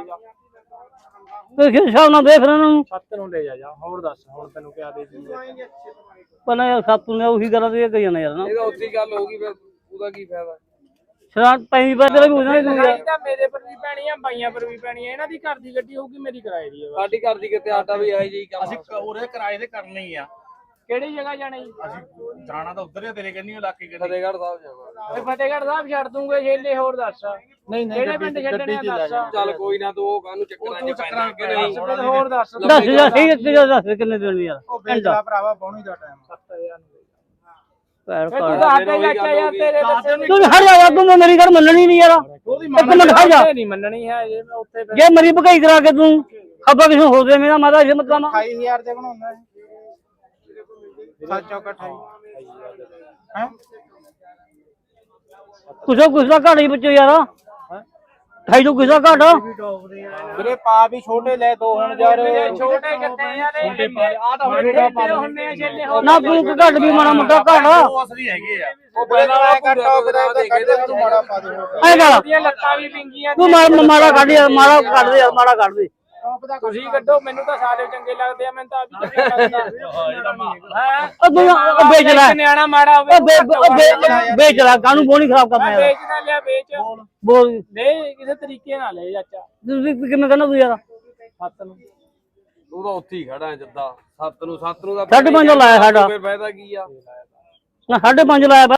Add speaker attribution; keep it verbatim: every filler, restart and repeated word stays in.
Speaker 1: ਜਾ
Speaker 2: ਤੇ ਕਿਸ ਹਿਸਾਬ ਨਾਲ ਦੇਖ ਰਹੇ ਨੂੰ
Speaker 1: ਸੱਤ ਨੂੰ ਲੈ ਜਾ ਜਾ ਹੋਰ ਦੱਸ ਹੁਣ ਤੈਨੂੰ ਕਿਆ ਦੇ ਦੀ
Speaker 2: ਪਹਿਲਾਂ ਯਾਰ ਸਾਤੂ ਨੇ ਉਹੀ ਗੱਲਾਂ ਤੇ ਕਹੀ ਜਾਣਾ ਯਾਰ ਨਾ
Speaker 1: ਇਹਦਾ ਉੱਤੀ ਗੱਲ ਹੋ ਗਈ ਫਿਰ ਉਹਦਾ ਕੀ ਫਾਇਦਾ
Speaker 2: ਸ਼ਰਾਬ ਪੈਂਦੀ ਪੈ ਤੇਰੇ ਵੀ ਹੋ ਜਾਣਾ
Speaker 1: ਲੜਾਈ ਤਾਂ ਮੇਰੇ ਪਰ ਵੀ ਪੈਣੀ ਆ ਬਾਈਆਂ ਪਰ ਵੀ ਪੈਣੀ ਆ ਇਹਨਾਂ ਦੀ ਘਰ ਦੀ ਗੱਡੀ ਹੋਊਗੀ ਮੇਰੀ ਕਿਰਾਏ ਦੀ ਸਾਡੀ ਘਰ ਦੀ ਕਿਤੇ ਆਟਾ ਵੀ ਆਏ ਜੀ
Speaker 3: ਅਸੀਂ ਉਰੇ ਕਿਰਾਏ ਦੇ ਕਰਨੇ ਹੀ ਆ
Speaker 1: ਕਿਹੜੀ ਜਗ੍ਹਾ ਜਾਣਾ ਜੀ
Speaker 3: ਅਸੀਂ ਜਾਣਾ ਤਾਂ ਉਧਰ ਹੀ ਤੇਰੇ ਕੰਨੀ ਇਲਾਕੇ ਕੰਨੀ
Speaker 1: ਫਤਿਹਗੜ੍ਹ ਸਾਹਿਬ ਜਾਣਾ ਤੇ ਫਤਿਹਗੜ੍ਹ ਸਾਹਿਬ ਛੱਡ ਦੂੰਗੇ ਛੇਲੇ ਹੋਰ ਦੱਸ ਨਹੀਂ ਨਹੀਂ ਕਿਹੜੇ ਪਿੰਡ ਛੱਡਣੇ ਆ ਦੱਸ ਚੱਲ ਕੋਈ ਨਾ ਤੂੰ ਉਹ ਕਾਹਨੂੰ ਚੱਕਰਾਂ ਚ ਪੈਣਾ ਕਿ ਨਹੀਂ ਹੋਰ ਦੱਸ
Speaker 2: ਦੱਸ ਜਾ ਠੀਕ ਤੇ ਦੱਸ ਕਿੰਨੇ ਦੇਣੀ ਯਾਰ
Speaker 3: ਉਹ ਵੇਚਦਾ ਭਰਾਵਾ ਬੌਣੀ ਦਾ ਟਾਈਮ
Speaker 1: ਸੱਤ ਹਜ਼ਾਰ
Speaker 2: ਪੈਰ
Speaker 1: ਤੂੰ
Speaker 2: ਕਾੜ
Speaker 1: ਤਾਂ ਅੱਗੇ ਜਾ ਕੇ ਯਾਰ ਤੇਰੇ ਦੱਸੇ
Speaker 2: ਤੂੰ ਹਟ ਜਾ ਯਾਰ ਤੂੰ ਮੇਰੀ ਗੱਲ ਮੰਨਣੀ ਨਹੀਂ ਯਾਰ ਇੱਕ ਮਿੰਟ ਖੜ ਜਾ
Speaker 1: ਨਹੀਂ ਮੰਨਣੀ ਹੈ ਜੇ ਮੈਂ ਉੱਥੇ
Speaker 2: ਜੇ ਮਰੀ ਭਗਾਈ ਕਰਾ ਕੇ ਤੂੰ ਖੱਬਾ ਕਿਸੇ ਹੋ ਜਾਵੇ ਮੇਰਾ ਮਾਤਾ ਇਹ ਮਤਲਬ
Speaker 3: ਅਠਾਈ ਹਜ਼ਾਰ ਦੇ ਬਣਾਉਣਾ ਹੈ ਸੱਤ ਚੌਕ ਅਠਾਈ ਹੈ
Speaker 2: ਕੁਛ ਕੁਛ ਦਾ ਘਾਟ ਹੀ ਬੱਚੇ ਯਾਰ ਠਾਈ ਤੋਂ ਕਿਸਾ ਘਾਟ
Speaker 3: ਵੀਰੇ ਪਾ ਵੀ ਛੋਟੇ ਲੈ ਦੋ ਹੁਣ ਯਾਰ
Speaker 1: ਛੋਟੇ ਕਿੱਥੇ ਯਾਰ ਆ ਤਾਂ ਹੁਣ ਛੋਟੇ ਹੁੰਨੇ ਆ ਛੇਲੇ ਹੋਰ
Speaker 2: ਨਾ ਤੂੰ ਘਾਟ ਵੀ ਮਾੜਾ ਮੋਟਾ ਘਾਟ
Speaker 3: ਉਹ ਅਸਲੀ ਹੈਗੇ ਆ ਉਹ ਪਹਿਲਾਂ ਵਾਲਾ ਕੱਟਾ ਉਹਦਾ ਦੇਖੇ ਤੂੰ ਮਾੜਾ ਪਾ ਦੇ
Speaker 2: ਐ ਕਰ
Speaker 1: ਦੀਆਂ ਲੱਤਾਂ ਵੀ ਪਿੰਗੀਆਂ
Speaker 2: ਤੂੰ ਮਾੜਾ ਮਾੜਾ ਕੱਢ ਯਾਰ ਮਾੜਾ ਕੱਢ ਦੇ ਯਾਰ ਮਾੜਾ ਕੱਢ ਦੇ
Speaker 1: ਤੁਸੀਂ ਕੱਢੋ ਮੈਨੂੰ ਤਾਂ ਸਾਰੇ ਚੰਗੇ ਲੱਗਦੇ ਆ ਮੈਨੂੰ ਤਾਂ ਆ ਵੀ ਚੰਗਾ ਲੱਗਦਾ ਹਾਂ
Speaker 2: ਉਹ ਤੂੰ ਉਹ ਵੇਚ ਲੈ
Speaker 1: ਨਿਆਣਾ ਮਾੜਾ ਹੋਵੇ
Speaker 2: ਉਹ ਵੇ- ਉਹ ਵੇ- ਵੇਚ ਲੈ ਕਾਹਨੂੰ ਬੋਣੀ ਖਰਾਬ ਕਰਨਾ ਯਾਰ
Speaker 1: ਵੇਚ ਨਾ ਲਿਆ ਵੇਚ
Speaker 2: ਬੋਲ
Speaker 1: ਨਹੀਂ ਕਿਸੇ ਤਰੀਕੇ ਨਾਲ ਲੈ ਚਾਚਾ
Speaker 2: ਤੁਸੀਂ ਕਿਵੇਂ ਕਹਿੰਦਾ ਤੂੰ ਯਾਰ
Speaker 1: ਸੱਤ ਨੂੰ ਤੂੰ ਤਾਂ ਉੱਥੇ ਹੀ ਖੜਾ ਜੱਦਾ ਸੱਤ ਨੂੰ ਸੱਤ ਨੂੰ ਦਾ
Speaker 2: ਸਾਢੇ ਪੰਜ ਲਾਇਆ ਸਾਡਾ
Speaker 1: ਫਿਰ ਫਾਇਦਾ ਕੀ ਆ
Speaker 2: ਨਾ ਸਾਢੇ ਪੰਜ ਲਾਇਆ